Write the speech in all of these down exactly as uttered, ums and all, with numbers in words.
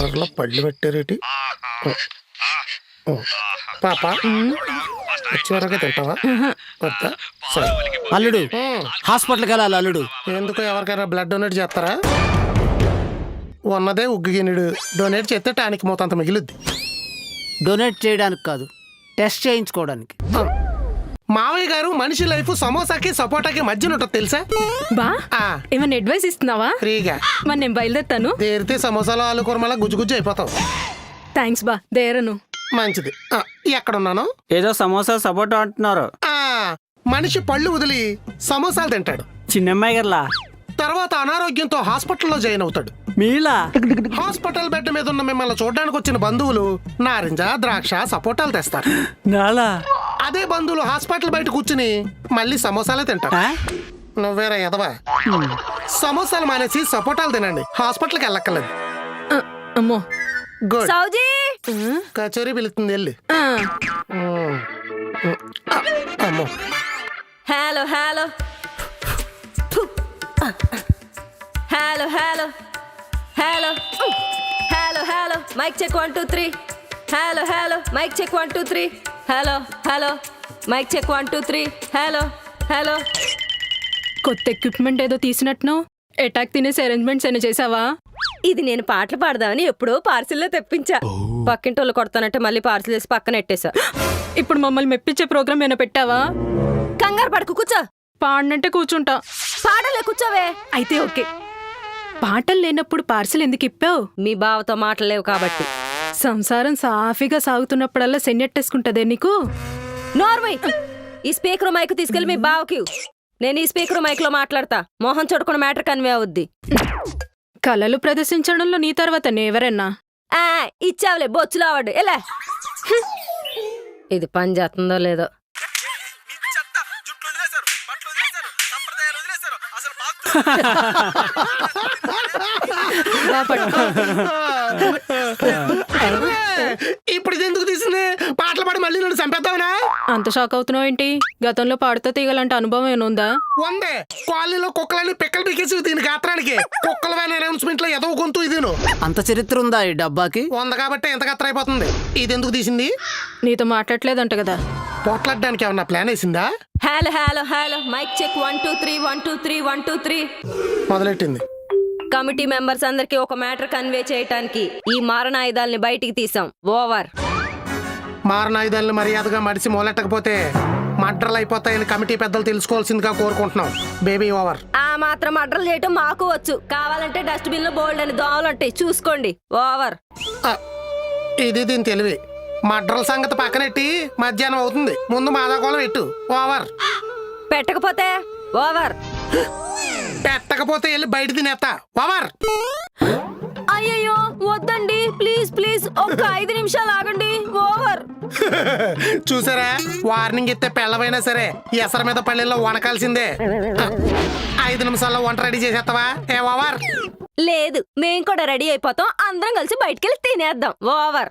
కూరలో పళ్ళు పెట్టారేటి పాప చివరగా తింటావా వద్దా సరే అల్లుడు హాస్పిటల్కి వెళ్ళాలి అల్లుడు. ఎందుకు ఎవరికైనా బ్లడ్ డొనేట్ చేస్తారా? ఉన్నదే ఉగ్గిగినుడు డొనేట్ చేస్తే టానిక్ మోతంత మిగిలిద్ది. డొనేట్ చేయడానికి కాదు, టెస్ట్ చేయించుకోవడానికి. మావయ్య గారు మనిషి లైఫ్ సమోసాకి సపోటాకి మధ్యన ఉంటుంది తెలుసా? బా ఏమన్నా అడ్వైస్ ఇస్తున్నావా? ఫ్రీగా. మరి నేను బయలుదేరుతాను. దేరితే సమోసాలో ఆలు కూరమలా గుజ్జు గుజ్జు అయిపోతావు. థ్యాంక్స్ బా, దేరను. మంచిది. ఎక్కడున్నాను? ఏదో సమోసా సపోటా అంటున్నారు. ఆ మనిషి పళ్ళు వదిలి సమోసాలు తింటాడు. చిన్నమ్మాయి గారులా తర్వాత అనారోగ్యంతో హాస్పిటల్లో జాయిన్ అవుతాడు. మీలా హాస్పిటల్ బెడ్ మీద ఉన్న మిమ్మల్ని చూడడానికి వచ్చిన బంధువులు నారింజ ద్రాక్ష సపోటాలు తెస్తారు. నాలా అదే బంధువులు హాస్పిటల్ బయట కూర్చుని మళ్ళీ సమోసాలే తింటారు. నువ్వేరా ఎదవా? సమోసాలు మానేసి సపోటాలు తినండి, హాస్పిటల్కి వెళ్ళక్కర్లేదు. ఆ, అమ్మో గుడ్. సౌజీ కచేరీ పిలుస్తుంది వెళ్ళి. అమ్మో hello hello hello hello hello hello hello mic check one two three hello hello mic check one two three hello hello mic check one two three hello hello. కొత్త ఎక్విప్మెంట్ ఏదో తీసినట్టును అటాక్ తినేసి arrangements ఏమైనా చేసావా? ఇది నేను పాటలు పాడదామని ఎప్పుడో పార్సిల్లో తెప్పించా. పక్కింటోళ్ళు కొడతానంటే మళ్ళీ పార్సిల్ వేసి పక్కన ఎట్టేశా. ఇప్పుడు మమ్మల్ని మెప్పించే ప్రోగ్రామ్ ఏమైనా పెట్టావా? కంగారు పడకు, కూర్చో. పాడినంటే కూర్చుంటా. పాడలే, కూర్చోవే. అయితే ఓకే. పాటలు లేనప్పుడు పార్సిల్ ఎందుకు ఇప్పావు? మీ బావతో మాటలేవు కాబట్టి. సంసారం సాఫీగా సాగుతున్నప్పుడల్లా సెన్నెట్టేసుకుంటదే నీకు. నార్మల్ ఈ స్పీకర్ మైక్ తీసుకెళ్ళి మీ బావకి. నేను ఈ స్పీకర్ మైక్ లో మాట్లాడతా. మోహన్ చూడకుండా మ్యాటర్ కన్వే అవుద్ది. కళలు ప్రదర్శించడంలో నీ తర్వాత నేవరన్నా? ఆ ఇచ్చావులే బొచ్చులో అవార్డు. ఎలా ఇది పని చేస్తుందో లేదో. ఇప్పుడు ఇది ఎందుకు తీసింది? పాటలు పాడి మళ్ళీ నన్ను చంపేద్దామనా? అంత షాక్ అవుతున్నావు ఏంటి? గతంలో పాడుతూ తీగలంటే అనుభవం ఏముందా? వందే కాలనీలో కుక్కలని పిక్కలు పీకేసి దీని గాత్రానికి కుక్కల వ్యాన్ అనౌన్స్మెంట్ లో ఎదవ గొంతు ఇది. అంత చరిత్ర ఉందా ఈ డబ్బాకి? వంద కాబట్టి ఎంత గత్ర అయిపోతుంది. ఇది ఎందుకు తీసింది? నీతో మాట్లాడలేదంట కదా. పోట్లాడడానికి ఏమన్నా ప్లాన్ వేసిందా? Hello hello hello mic check one two three one two three one two three మొదలెట్టింది. కమిటీ మెంబర్స్ అందరికి ఒక మ్యాటర్ కన్వే చేయటానికి ఈ మారణాయుధాలని బయటికి తీసాం. ఓవర్. మారణాయుధాలను మర్యాదగా మడిసి మొదలెట్టకపోతే మడ్రలు అయిపోతాయని కమిటీ పెద్దలు తెలుసుకోవాల్సిందిగా కోరుకుంటున్నాం. Baby over. ఆ మాత్రం అడ్రలు చేయటం మాకు వచ్చు. కావాలంటే డస్ట్బిన్ లో బోల్డ్ అని దోమలు ఉంటాయి, చూసుకోండి. ఓవర్. ఇది దీని తెలివి. మడ్రల సంగతి పక్కనెట్టి మధ్యాహ్నం అవుతుంది, ముందు మాదాకోళం పెట్టు. ఓవర్. పెట్టకపోతే ఓవర్. పెట్టకపోతే వెళ్ళి బయట తినేస్తా. ఓవర్. అయ్యయ్యో వద్దండి, ప్లీజ్ ప్లీజ్ ఒక్క ఐదు నిమిషాలు ఆగండి. ఓవర్. చూసారా, వార్నింగ్ ఇస్తే పెళ్ళవైనా సరే ఎసర మీద పల్లెల్లో వనకాల్సిందే. ఐదు నిమిషాల్లో వంట రెడీ చేసేస్తావా? ఏ ఓవర్. లేదు, మేం కూడా రెడీ అయిపోతాం. అందరం కలిసి బయటికెళ్ళి తినేద్దాం. ఓవర్.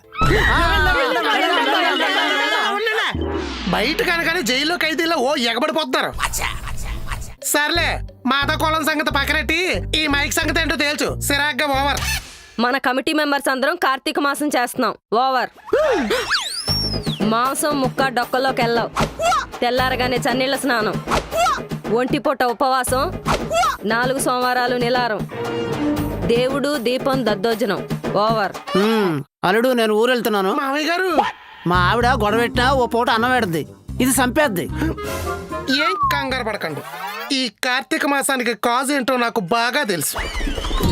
బయట కనుక జైల్లో ఖైదీలో ఓ ఎగబడిపోతున్నారు. సర్లే, మాదాకోళం సంగతి పక్కనెట్టి ఈ మైక్ సంగతి ఏంటో తేల్చు. సిరాగ్గా ఓవర్. మన కమిటీ మెంబర్స్ అందరం కార్తీక మాసం చేస్తున్నాం. ఓవర్. మాంసం ముక్క డొక్కలోకి వెళ్ళావు. తెల్లారగానే చన్నీళ్ళ స్నానం, ఒంటి పూట ఉపవాసం, నాలుగు సోమవారాలు నిలారం, దేవుడు దీపం దద్దోజనం. ఓవర్. అల్లుడు నేను ఊరు వెళ్తున్నాను. మామయ్య గారు, మా ఆవిడ గొడవ పెట్టినా ఓ పూట అన్నం పెడద్ది. ఇది చంపేద్ది. ఏం కంగారు పడకండి. ఈ కార్తీక మాసానికి కాజ్ ఏంటో నాకు బాగా తెలుసు.